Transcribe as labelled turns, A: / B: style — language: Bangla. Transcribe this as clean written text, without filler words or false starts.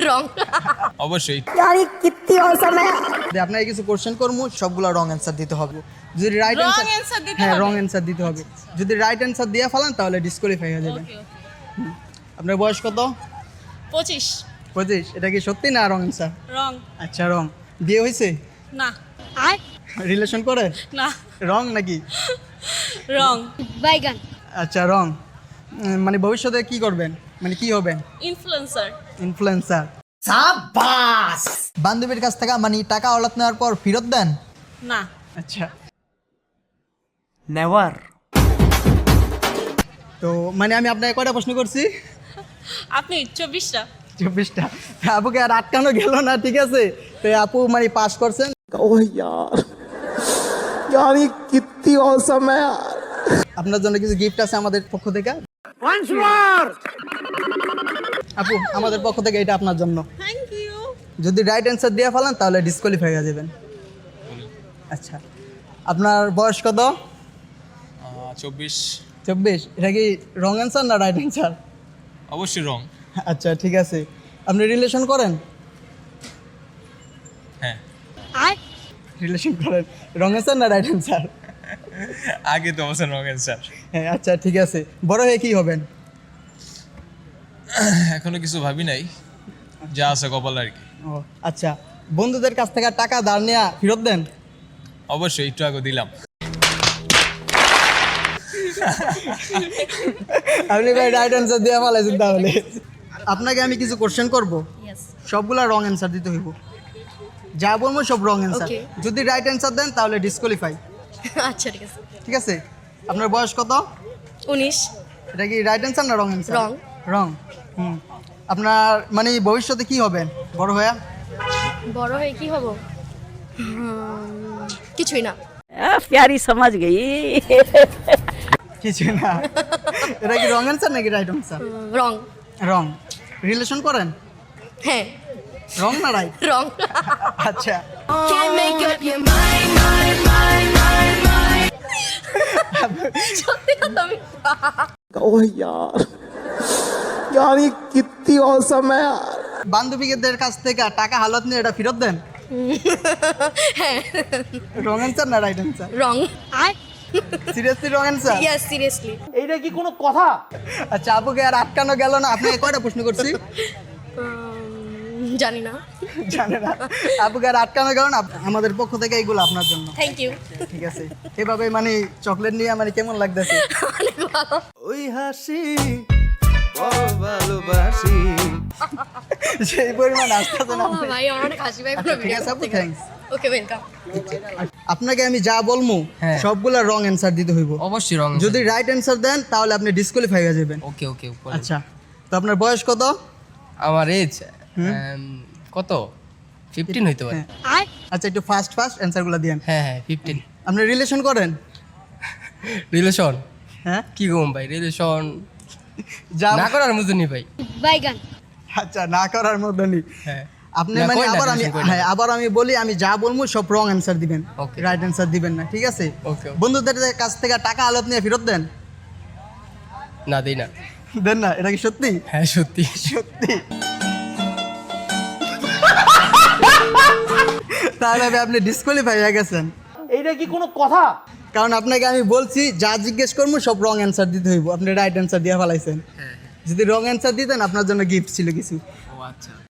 A: রং
B: অবশ্যই।
C: यार ये कितनी औसम है আপনাকে কিছু কোশ্চেন করবো, সবগুলো রং অ্যান্সার দিতে হবে। যদি রাইট
A: Wrong
C: অ্যান্সার
A: answer দিতে
C: হ্যাঁ
A: হবে?
C: রং অ্যান্সার দিতে হবে। যদি রাইট অ্যান্সার দিয়ে ফেলান তাহলে ডিসকোয়ালিফাই হয়ে যাবেন। আপনার বয়স কত?
A: 25
C: 25। এটা কি সত্যি না রং অ্যান্সার?
A: রং
C: আচ্ছা রং। বিয়ে হয়েছে?
A: না
C: রিলেশন করে?
A: না
C: রং নাকি?
A: রং
D: বাইগান
C: আচ্ছা রং। মানে ভবিষ্যতে কি করবেন, মানে কি হবেন?
A: Influencer
C: influencer. সাবাস। বান্ধবীর কাছ থেকে মানে টাকা হলাত নেওয়ার পর ফেরত দেন?
A: না
C: আচ্ছা
E: নেভার।
C: তো মানে আমি আপনাকে কয়টা প্রশ্ন করছি?
A: আপনি 24টা
C: 24টা। আপুকে আর আটকানো গেল না, ঠিক আছে। তো আপু মানে পাস করছেন।
E: ओह यार यार ये कितनी औसम है यार।
C: আপনার জন্য কিছু গিফট আছে আমাদের পক্ষ থেকে। আপু আমাদের পক্ষ থেকে এটা আপনার জন্য।
A: থ্যাংক ইউ
C: যদি রাইট অ্যান্সার দিয়ে ফেলান তাহলে ডিসকোয়ালিফাই হয়ে যাবেন। আচ্ছা আপনার বয়স কত?
B: 24।
C: 24। এটা কি রং অ্যান্সার না রাইট অ্যান্সার?
B: অবশ্যই রং।
C: আচ্ছা ঠিক আছে। আপনি রিলেশন করেন?
B: হ্যাঁ
C: রিলেশন করেন। রং অ্যান্সার না রাইট অ্যান্সার?
B: আগে তো অবশ্যই রং অ্যান্সার।
C: হ্যাঁ আচ্ছা ঠিক আছে। বড় হয়ে কি হবেন?
B: এখনো কিছু ভাবি নাই, যা আছে কপাল আর কি।
C: ও আচ্ছা। বন্ধুদের কাছ থেকে টাকা ধার নেওয়া ফেরত দেন?
B: অবশ্যই, একটু আগে দিলাম।
C: আপনি ভাই রাইট অ্যান্সার দিয়ে ফেলাইছেন তাহলে। আপনাকে আমি কিছু কোশ্চেন করব,
A: ইয়েস
C: সবগুলা রং অ্যান্সার দিতে হইব। যা বলবো সব রং অ্যান্সার।
A: Okay.
C: যদি রাইট অ্যান্সার দেন তাহলে ডিসকোয়ালিফাই।
A: আচ্ছা ঠিক আছে
C: ঠিক আছে। আপনার বয়স কত?
A: 19
C: এটা কি রাইট অ্যান্সার না রং অ্যান্সার?
A: Wrong.
C: রং। আপনার মানে ভবিষ্যতে কি হবেন বড় হয়ে?
A: বড় হয়ে কি হব? কিছুই না
D: प्यारी समझ गई
C: কিছু না। এটা কি রং অ্যান্সার নাকি right answer?
A: Wrong
C: wrong. Relation করেন?
A: হ্যাঁ
C: রং না রাইট?
A: রং
C: আচ্ছা
A: সত্যি কথা আমি
E: ओह यार यार ये कितनी औसम है यार।
C: বান্ধবীদের কাছ থেকে টাকা হালত নিয়ে এটা ফেরত দেন? রং অ্যান্সার না right answer?
A: Wrong
C: seriously wrong answer?
A: Yes seriously
E: এইটা কি কোনো কথা?
C: আচ্ছা আপুকে আর আটকানো গেল না। আপনাকে কয়টা প্রশ্ন করছি?
A: জানি না
C: জানে না। আপুকে আর আটকানো গেল না। আমাদের পক্ষ থেকে এইগুলো আপনার জন্য।
A: থ্যাংক ইউ
C: ঠিক আছে। এভাবে মানে চকলেট নিয়ে মানে কেমন লাগতেছে?
A: অনেক ভালো
E: ওই হাসি বড় ভালোবাসি।
C: সেই পরিমাণ আসতেছে না।
A: ভাই আমার অনেক হাসি ভাই
C: আচ্ছা, ঠিক আছে আপু, থ্যাঙ্কস।
A: ওকে ওয়েলকাম
C: আপনাকে আমি যা বলবো সবগুলা রং অ্যান্সার দিতে হইব।
F: অবশ্যই রং।
C: যদি রাইট অ্যান্সার দেন তাহলে আপনি ডিসকোয়ালিফাই হয়ে যাবেন।
F: ওকে ওকে।
C: আচ্ছা তো আপনার বয়স কত?
F: আমার এজ কত? 15 হইতে পারে।
C: আচ্ছা একটু ফাস্ট অ্যান্সারগুলো দিয়েন।
F: হ্যাঁ 15।
C: আপনি রিলেশন করেন?
F: রিলেশন
C: হ্যাঁ
F: কি গম ভাই? রিলেশন
C: যা
F: না করার মতো নি ভাই।
D: বাইগান
C: আচ্ছা না করার মধ্যে নেই।
F: হ্যাঁ
C: আপনি
F: না,
C: মানে
F: কই না,
C: আবার আমি
F: relation কই না।
C: হ্যাঁ আবার আমি বলি, আমি যা বলবো সব রং অ্যান্সার দিবেন,
F: Okay.
C: রাইট অ্যান্সার দিবেন না, ঠিক আছে?
F: Okay, okay.
C: বন্ধুদের কাছ থেকে টাকা হালত নিয়ে ফেরত দেন?
F: না দেই না।
C: দেন না? এটা কি সত্যি?
F: হ্যাঁ সত্যি।
C: সত্যি? তাহলে আপনি ডিসকোয়ালিফাই হয়ে গেছেন।
E: এইটা কি কোনো কথা?
C: কারণ আপনাকে আমি বলছি যা জিজ্ঞেস করবো সব রং অ্যান্সার দিতে হইব। আপনি রাইট অ্যান্সার দিয়ে ফেলাইছেন। যদি রং অ্যান্সার দিতেন আপনার জন্য গিফট ছিল কিছু।
F: ও আচ্ছা।